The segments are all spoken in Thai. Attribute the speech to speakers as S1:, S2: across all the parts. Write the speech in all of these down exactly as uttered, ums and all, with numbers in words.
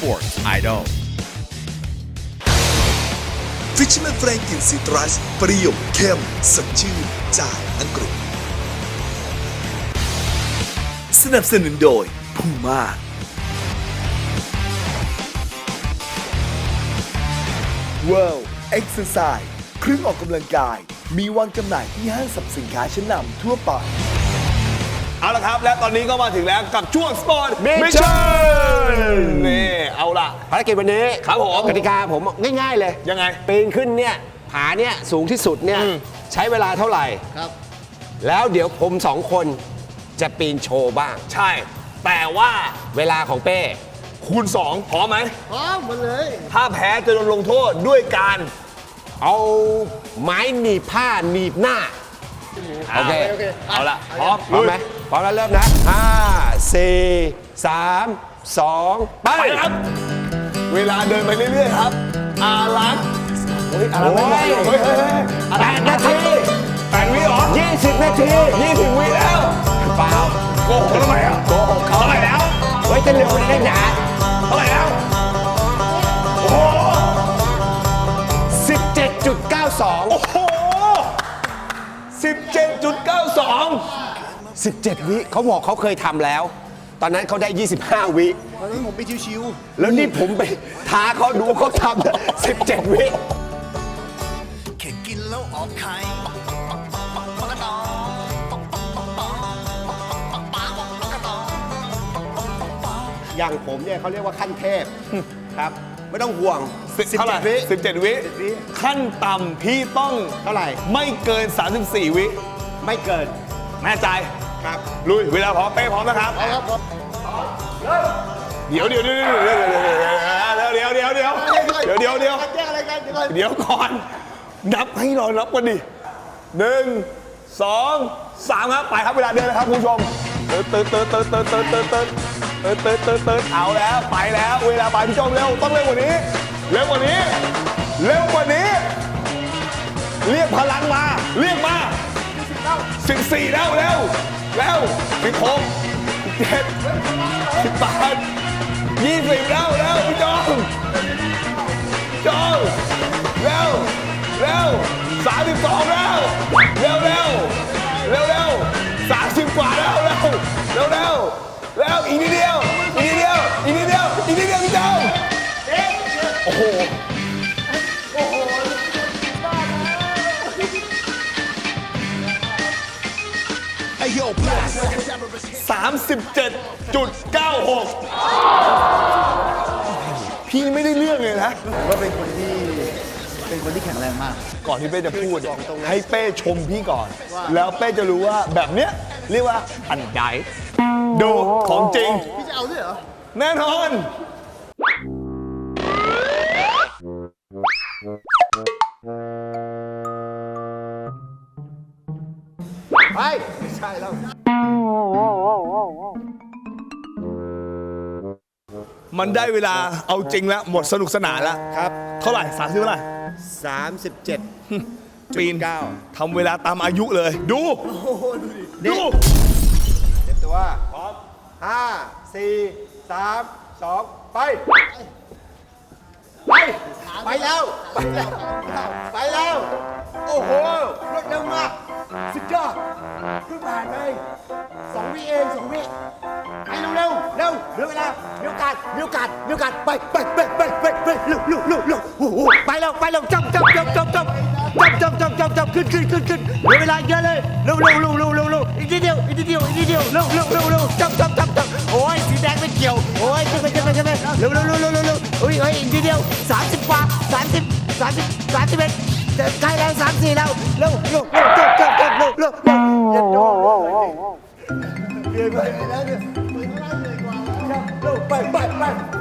S1: Sports Idol
S2: Fisherman Frank กลิ่นซิตรัสเปรี้ยวเข้มสดชื่นจากอังกฤษสนับสนุนโดยพูม่าWorld Exercise เครื่องออกกำลังกายมีวางจำหน่ายที่ห้างสรรพสินค้าชั้นนำทั่วไป
S3: เอาละครับและตอนนี้ก็มาถึงแล้วกับช่วงสปอร์ตมิชชั่นนี่เอาล่ะ
S4: ภารกิจวันนี้
S3: ครับผม
S4: กติกาผมง่ายๆเลย
S3: ยังไง
S4: ปีนขึ้นเนี่ยผาเนี่ยสูงที่สุดเนี่ยใช้เวลาเท่าไหร่ครับแล้วเดี๋ยวผมสองคนจะปีนโชว์บ้าง
S3: ใช่แต่ว่า
S4: เวลาของเป้
S3: คูณสองพร้อมไหม
S5: พร้อมหมดเลย
S3: ถ้าแพ้จะโดนลงโทษด้วยการ
S4: เอาไม้หนีบผ้าหนีบหน้าโอเค
S3: เอาละพร้อม
S4: พร้อมไหมพร้อมแล้วเริ่มนะห้าสี่สามสองไป
S3: ครับเวลาเดินไปเรื่อยๆครับอารักเฮ้ยอารักไม่ไหวเฮ้ยเฮ้ย
S4: แปดนาที
S3: แปดวิเหรอ
S4: ยี่สิบนาที
S3: ยี่สิบวิแล้ว
S4: เปล่า
S3: โกหกทำไมอ่ะโกหกเขาเท่าไหร่แล้ว
S4: เฮ้ยจะเร็วได้หนา
S3: เท่าไหร่แล้วโอ้โห
S4: สิบเจ็ดจุดเก้าสอง
S3: โอ้โหสิบเจ็ดจุดเก้าสอง
S4: สิบเจ็ดวิเขาบอกเขาเคยทำแล้วตอนนั้นเขาได้ยี่สิบห้าวิ
S5: ตอนนั้นผมไปชิว
S4: ๆแล้วนี่ผมไปท้าเขาดูเขาทำสิบเจ็ดวิ
S2: แค่กินแล้วออกไข่
S4: อย่างผมเนี่ยเขาเรียกว่าขั้นเทพครับไม่ต้องห่วง
S3: เท่าไหร่สิบเจ็ดวิขั้นต่ำพี่ต้อง
S4: เท่าไหร่
S3: ไม่เกินสามสิบสี่วิ
S4: ไม่เกิน
S3: แน่ใจ
S4: ครับ
S3: ลุยเวลาพร้อมเป้พร้อมนะครับ
S5: ครับ
S3: เดี๋ยวเดี๋ยวเดี๋ยวเดี๋ยวเดี๋ยวเดี๋ยวเดี๋ยวเดี๋ยวเดี๋ยวเดี๋ยวเดี๋ยว
S5: แยกอะไรกัน
S3: เดี๋ยวก่อนนับให้รอนับกันดิหนึ่งสองสามครับไปครับเวลาเดินนะครับคุณผู้ชมเติร์ดเติร์ดเติร์ดเติร์ดเติร์ดเติร์ดเติร์ดเติร์ดเติร์ดเติร์ดเติร์ดเติร์ดเอาแล้วไปแล้วเวลาไปพี่ชมเร็วต้องเร็วกว่านี้เร็วกว่านี้เร็วกว่านี้เรียกพลังมาเรียกมาสิบสี่แล้วเร็วเร็วสิบหกสิบเจ็ดสิบแปดยี่สิบแล้วเร็วพี่จอมจอมเร็วเร็วสามสิบสองแล้วเร็วเร็วเร็วเร็วสามสิบกว่าแล้วเร็วเร็วเร็วเร็วอีกนิดเดียวอีกนิดเดียวอีกนิดเดียวอีกนิดเดียวพี่จอมโอ้โหสามสิบเจ็ดจุดเก้าหกพี่ไม่ได้เรื่องเลยนะ
S5: ก็เป็นคนที่เป็นคนที่แข็งแรงมาก
S3: ก่อนที่เป้จะพูดให้เป้ชมพี่ก่อนแล้วเป้จะรู้ว่าแบบเนี้ยเรียกว่าอันใดดูของจริง
S5: พี่จะเอาด้วยเหรอ
S3: แน่นอน
S5: ไปไม่ใช่แล้ว
S3: มันได้เวลาเอาจริงแล้วหมดสนุกสนานแล้ว
S4: ครับ
S3: เท่าไหร่สามสิบเท่าไหร่
S4: สามสิบเจ็ด
S3: ปีนทำเวลาตามอายุเลยดูดู
S4: เต็มตัวพร้อมห้าสี่สามสองไปไปไปแล้วไปแล้วไปแล้วโอ้โหรวดเร็วมากสุดยอดเพิ่งผ่านไปสองวิเองสองวิไปเร็วเร็วเร็วเหลือเวลามีโอกาสมีโอกาสมีโอกาสไปไปไปไปไปไปเร็วเร็วเร็วเร็วโอ้โหไปแล้วไปแล้วจับจับจับจับจับจับจับจับจับจับขึ้นขึ้นขึ้นขึ้นเหลือเวลาเยอะเลยเร็วเร็วเร็วเร็วเร็วเร็วอีกนิดเดียวอีกนิดเดียวอีกนิดเดียวเร็วเร็วเร็วเร็วจับจับจับจับโอ้ยสีแดงไม่เกี่ยวโอ้ยขึ้นไปขึ้นไปขึ้นไปเร็วเร็วเร็วเร็วเร็วโอ้ยเฮ้ยอีกนิดเดียวสามสิบกว่าสามสิบสามสิบสามสิบเอ็ดใกล้แล้วสามสี่แล้วเร็วเร็วเร็วจับจับจับเร็วเร็วเร็วอย่าโดนเดี๋ยวไปแล้วเนี่ยเร็วไปไปไป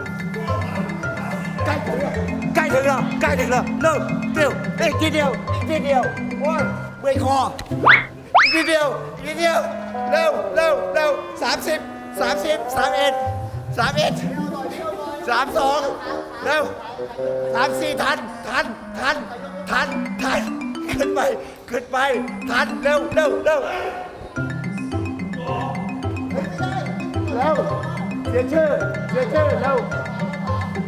S4: ใกล้ถึงแล้วใกล้ถึงแล้วใกล้ถึงแล้วเร็วเร็วอีกนิดเดียวอีกนิดเดียวโอ้ยเมื่อยคออีกนิดเดียวอีกนิดเดียวเร็วเร็วเร็วสามสิบสามสิบสามเอ็ดสามเอ็ดสามสองเร็วสามสี่ทันทันทันทันทันขึ้นไปขึ้นไปทันเร็วเร็วเร็วเร็วเสียชื่อเสียชื่อเร็ว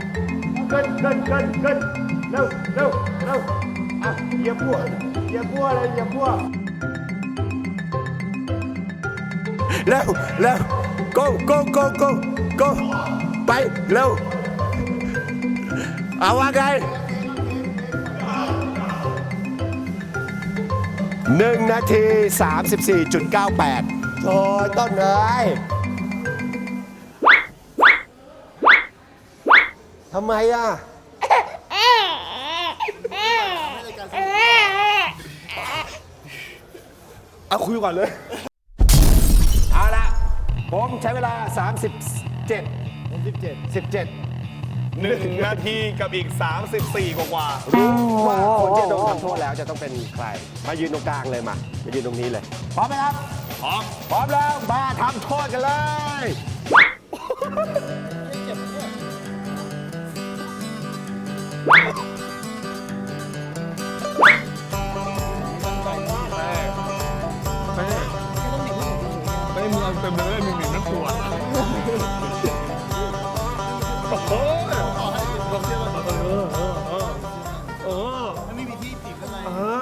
S4: เกินเกินเกินเกินเร็วเร็วเร็วอ่ะอย่าบัวอย่าบัวเลยอย่าบัวเร็วเร็ว go go go go go ไปเร็วเอาว่าไงหนึ่งนาทีสามสิบสี่จุดเก้าแปดโอ้ยต้นเลยทำไมอ่ะเอาคุยก่อนเลย เอาละผมใช้เวลา สามสิบเจ็ด
S5: สิบเจ็ด
S4: สิบเจ็ด
S3: หนึ่งนาทีกับอีก สามสิบสี่ กว่ากว่า
S4: รู้ว่าคนที่โดนทำโทษแล้วจะต้องเป็นใคร มายืนตรงกลางเลยมา มายืนตรงนี้เลย พร้อมไหมครับ
S3: พร้อม
S4: พร้อมแล้ว มาทำโทษกันเลย
S3: ไม่มึงเอาเต็มเลยมึงหนีน้ำตัวโอ้โห
S5: ไม่มีที่ติดข้างใน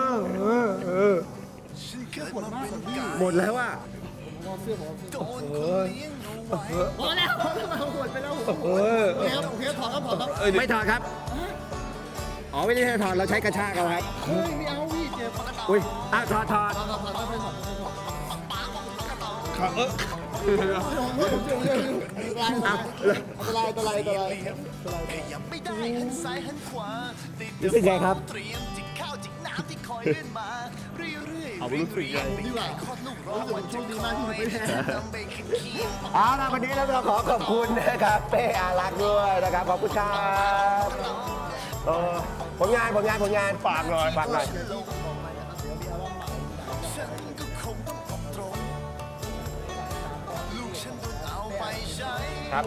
S4: หมดแล้วอ่ะ
S5: พอแล้วหมดไปแล้วโอเคครับโอเคถอดครับถอดครับ
S4: ไม่ถอดครับ อ๋อไม่ได้ให้ถอด เราใช้กระชากเอาครับ
S5: เฮ้ยไม่เอาพี่เจ็บ
S4: อุ้ยอ่ะถอดถอด
S5: ถอดถอดถอดถอดถอด
S3: ขาเออ
S5: อันตรายอันตรายอันตรายอันตราย
S4: รู้สึกไงครับ
S3: เอารู้สึกยัง
S5: ดีกว่ารู้สึกโชคดีมากที่ผมไม่แพ้
S4: เอาล่ะวันนี้เราขอขอบคุณนะครับเป้อารักษ์ด้วยนะครับ ขอบคุณครับเออผลงานผลงานผลงานฝากหน่อยฝากหน่อยครับ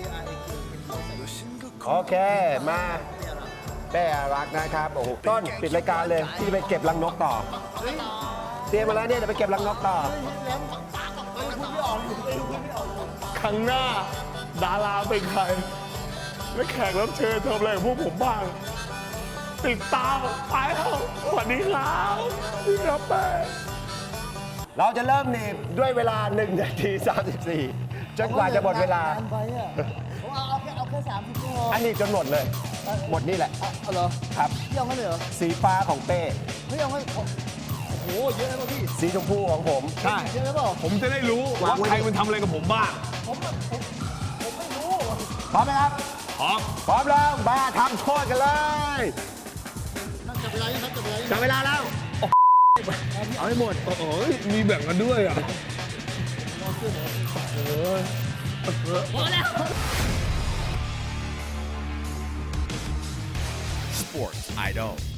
S4: โอเคมาเป้อารักษ์นะครับโอ้โหต้นปิดรายการเลยที่จะไปเก็บรังนกต่อเตรียมมาแล้วเนี่ยจะไปเก็บรังนกต่อ
S3: ครั้งหน้า ดาราเป็นใคร และแขกรับเชิญทำอะไรกับพวกผมบ้าง ติดตามไปแล้วสวัสดีครับสวัสดีครับแม่
S4: เราจะเริ่มหนีบด้วยเวลาหนึ่งนาทีสามสิบสี่จนกว่าจะหมดเวลา
S5: ไปอ่ะผมเอาเอาแค่เอาแค่สามสิบชั่วโมง
S4: อันนี้จนหมดเลย หมดนี่แหละ
S5: เอาเหรอ
S4: ครับ
S5: พี่เอาแค่เลยเหรอ
S4: สีฟ้าของเป้
S5: พี่เอาแค่โอ้โหเยอะเลยป่ะพี่
S4: สีชมพูของผม
S3: ใช่
S5: เยอะเลยเปล่า
S3: ผมจะได้รู้ว่าใครมันทำอะไรกับผมบ้าง
S5: ผมผมผมไม่รู้
S4: พร้อมไหมครับ
S3: พร้อม
S4: พร้อมแล้ว มาทำโทษกันเลย
S5: นั่งจับเวลายังครับจับเวลายัง
S4: จับเวลาแล้ว เอาให้หมด
S3: โอ้โหมีแบ่งกันด้วยอ่ะ
S1: Sports Idol